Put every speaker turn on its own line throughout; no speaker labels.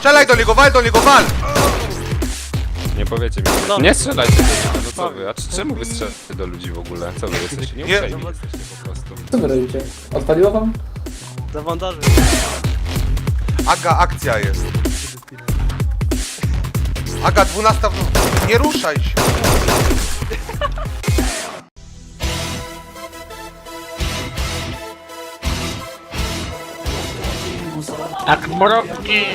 Strzelaj do niego, wal do niego, wal!
Nie powiecie mi.
No.
Nie strzelajcie do niego, no co wy? A czemu wy strzelacie do ludzi w ogóle? Co wy jesteście? Nie
Nie.
uprzejmi jesteście po prostu.
Co wy robicie? Odpaliło wam?
Zawandarzy.
Aga, akcja jest. Aga, 12 w nocy. Nie ruszaj się.
Jak mrówki!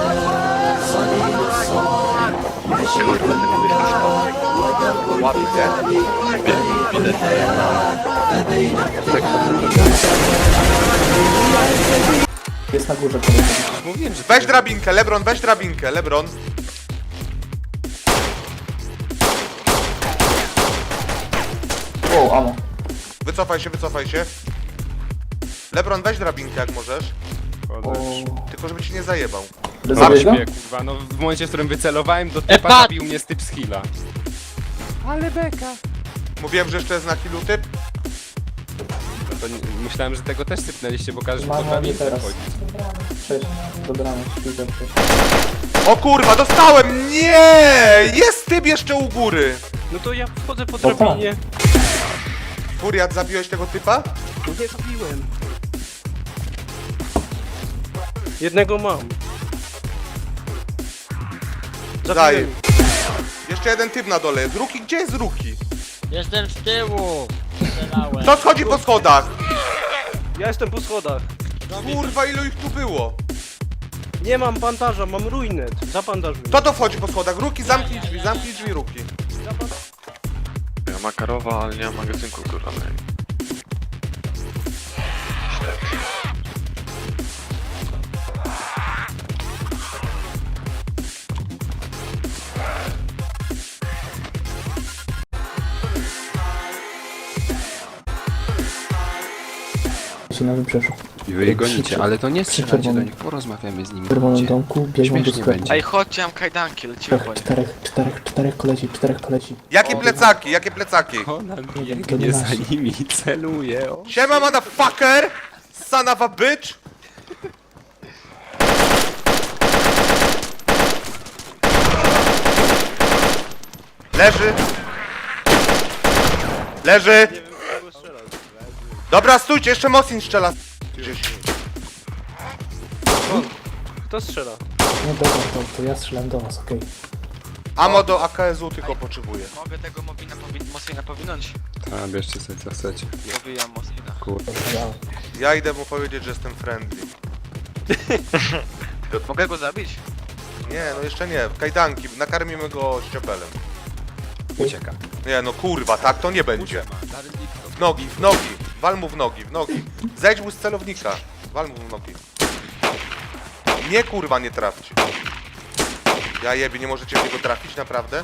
Jest na górze, kolega.
Mówiłem, że...
Weź drabinkę, Lebron, weź drabinkę, Lebron.
Wow, amo.
Wycofaj się, wycofaj się. Lebron, weź drabinkę jak możesz.
O...
Tylko żeby ci nie zajebał.
Mam
Zabiłeś go?
śpię, kurwa, no w momencie, w którym wycelowałem do typa,
Epat!
zabił mnie z typ z heala. Ale beka.
Mówiłem, że jeszcze jest na killu typ.
No to myślałem, że tego też sypnęliście, bo każdy
Mam
pod nami
nie teraz.
wchodzi.
Cześć. Dobranoc, śpijcie.
O kurwa, dostałem! Nie! Jest typ jeszcze u góry.
No to ja wchodzę po
tak.
drabinie.
Furiat, zabiłeś tego typa?
No nie zabiłem. Jednego mam.
Daję.
Zabiłem.
Jeszcze jeden typ na dole jest. Ruki, gdzie jest Ruki?
Jestem z tyłu! Strzelałem.
Kto schodzi po schodach?
Ja jestem po schodach.
Kurwa, ilu ich tu było?
Nie mam bandaża, mam ruinet. Zabandażuj.
Kto to wchodzi po schodach? Ruki, zamknij drzwi, Ruki.
Ja Makarowa, ale nie mam magazynku góralnej.
Się na wybrzeżu.
I wy je gonicie, ale to nie strzelajcie do
czerwone.
nich, porozmawiamy z nimi.
W czerwonym
Chodźcie.
domku biegną do
Śmiesznie
sklepu.
będzie.
Ej, chodźcie, mam kajdanki, lecimy po nie.
Czterech koleci.
Jakie plecaki, jakie plecaki?
Ona
to
biegnie
nie
za
nasi.
nimi i celuje. O.
Siema, motherfucker! Son of a bitch! Leży! Leży! Dobra, stójcie, jeszcze Mosin strzela. Gdzieś.
Kto strzela?
No dobra, to ja strzelam do was, okej.
Amo do AKS-u tylko potrzebuję.
Mogę tego Mosina powinąć?
A, bierzcie sobie co chcecie.
Powijam Mosina.
Kurde.
Ja idę mu powiedzieć, że jestem friendly.
Mogę go zabić?
Nie, no jeszcze nie. Kajdanki, nakarmimy go ściopelem.
Ucieka.
Nie, no kurwa, tak to nie będzie. W nogi, w nogi. Wal mu w nogi, w nogi. Zejdź mu z celownika. Wal mu w nogi. Nie kurwa, nie trafcie. Ja jebie, nie możecie w niego trafić, naprawdę?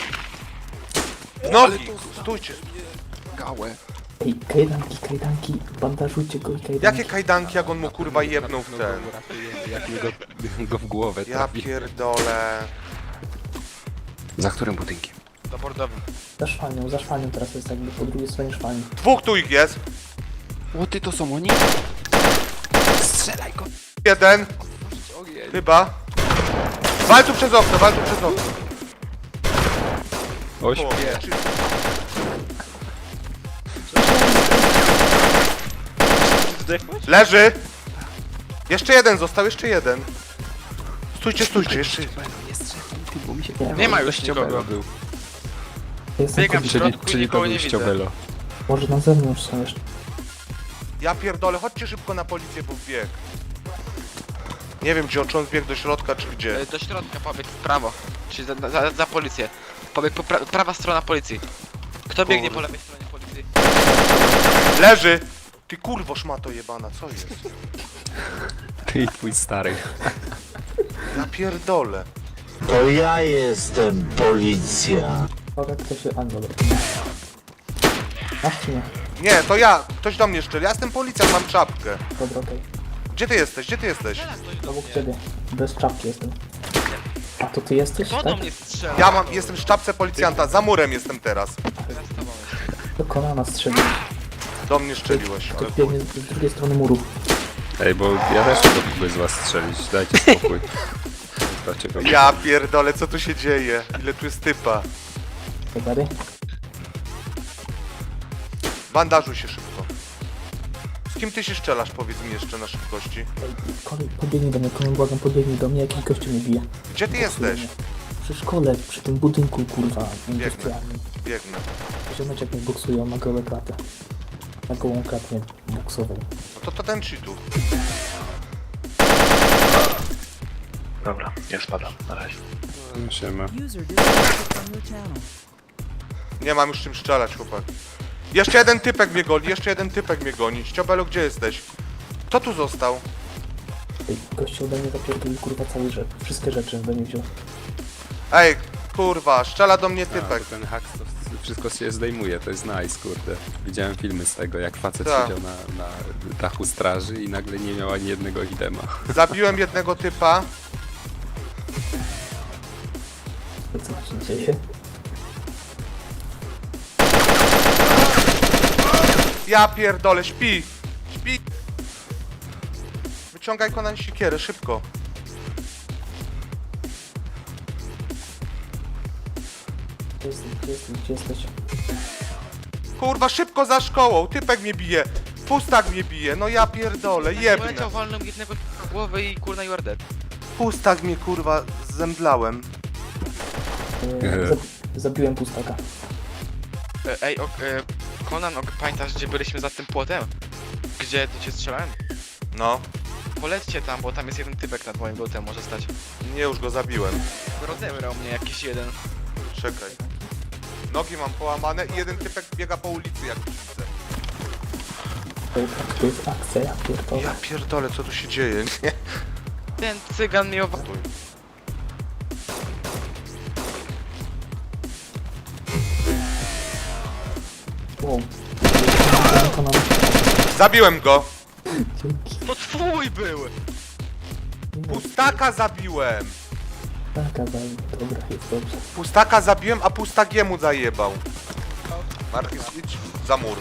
W nogi! Stójcie.
Gałę.
Ej, kajdanki, bandażujcie go i kajdanki.
Jakie kajdanki, jak on mu kurwa jebnął w ten?
Jak mi go w głowę
Ja
trafi.
pierdolę.
Za którym budynkiem?
Za bordowym.
Za szwanią teraz jest jakby po drugiej stronie szwani.
Dwóch tu ich jest.
O, ty to są oni? Strzelaj go!
Jeden. Chyba. Wal tu przez okno, wal tu przez okno.
O,
O,
śpię.
czy-
Zdechłeś?
Leży. Jeszcze jeden został, jeszcze jeden. Stójcie, stójcie, jeszcze jeden.
Nie strzelaj, ty, bo mi się
Nie ma już
Ściobelo
nikogo.
był.
Jestem
Biegam
kobietą.
w
Czyli,
środku i
czyli to
nikogo
był
nie widzę.
ściobelo.
Może na zewnątrz są jeszcze.
Ja pierdolę, chodźcie szybko na policję, bo wbieg. Nie wiem, czy on zbiegł do środka, czy gdzie.
Do środka pobiegł w prawo. Czyli za policję. Pobiegł prawa strona policji. Kto biegnie po lewej stronie policji?
Leży! Ty kurwo szmato jebana, co jest?
Ty i twój stary.
Ja pierdolę.
To ja jestem policja.
Uwaga, kto się... A, dobra. Masz czy nie?
Nie, to ja. Ktoś do mnie szczeli. Ja jestem policjant, mam czapkę.
Dobra, okej.
Gdzie ty jesteś? Gdzie ty jesteś?
Obok ciebie. Bez czapki jestem. A to ty jesteś,
Kto
tak?
do mnie strzela?
Jestem w czapce policjanta, za murem jestem teraz.
Do kolana strzelił.
Do mnie szczeliłeś.
To
Ale
biegnie z drugiej strony muru.
Ej, bo ja też mógłby z was strzelić, dajcie spokój. Kto cię robi?
Ja pierdolę, co tu się dzieje? Ile tu jest typa?
Zagary?
Bandażuj się szybko. Z kim ty się strzelasz, powiedz mi jeszcze na szybkości.
Ej, kolej, podbiegnij do mnie, kolej, błagam, podbiegnij do mnie, jakiś gościu mnie bije.
Gdzie ty jesteś?
Przy szkole, przy tym budynku, kurwa, industrialnym.
Biegnę.
Ziomeczek mnie buksuje, on ma gołe klatę. Na gołą klatę mnie buksował.
No to ten cheatów.
Dobra, ja spadam, na razie.
Siema.
User disconnected from your channel.
Nie mam już czym strzelać, chłopak. Jeszcze jeden typek mnie goni, jeszcze jeden typek mnie goni. Ściobelu, gdzie jesteś? Kto tu został?
Ej, gościu ode mnie zapierdolił, kurwa, całe rzeczy. Wszystkie rzeczy ode mnie wziął.
Ej, kurwa, strzela do mnie
A,
typek.
bo ten hak to wszystko się zdejmuje, to jest nice, kurde. Widziałem filmy z tego, jak facet
Tak.
siedział na dachu straży i nagle nie miał ani jednego idema.
Zabiłem jednego typa.
To co się dzieje?
Ja pierdolę, śpi! Śpi! Wyciągaj Konan sikierę, szybko.
Gdzie jesteś, gdzie jesteś, gdzie jesteś?
Kurwa, szybko za szkołą, typek mnie bije. Pustak mnie bije, no ja pierdolę, jebnę.
Poleciał wolną jednego w głowę i kurna you are dead.
Pustak mnie kurwa zemdlałem.
Zabiłem pustaka.
Ej, Conan, pamiętasz gdzie byliśmy za tym płotem? Gdzie tu cię strzelałem?
No,
Polećcie tam, bo tam jest jeden typek nad moim botem, może stać.
nie, już go zabiłem.
Rozebrał mnie jakiś jeden.
Czekaj. Nogi mam połamane i jeden typek biega po ulicy jak widzę.
To jest akcja, ja pierdolę.
Ja pierdolę, co tu się dzieje, nie?
Ten cygan mnie
Stój.
Wow. Konan.
Zabiłem go!
Dzięki.
To twój był!
Pustaka zabiłem!
Taka dobra, jest dobrze.
Pustaka zabiłem, a pustagiemu zajebał. Markis, idź za mur.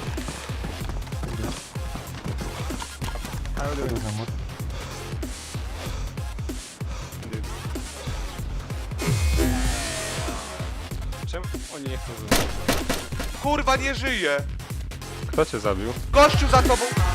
Czemu oni nie chcą zobaczyć?
Kurwa, nie żyje!
Kto cię zabił?
Gościu za tobą!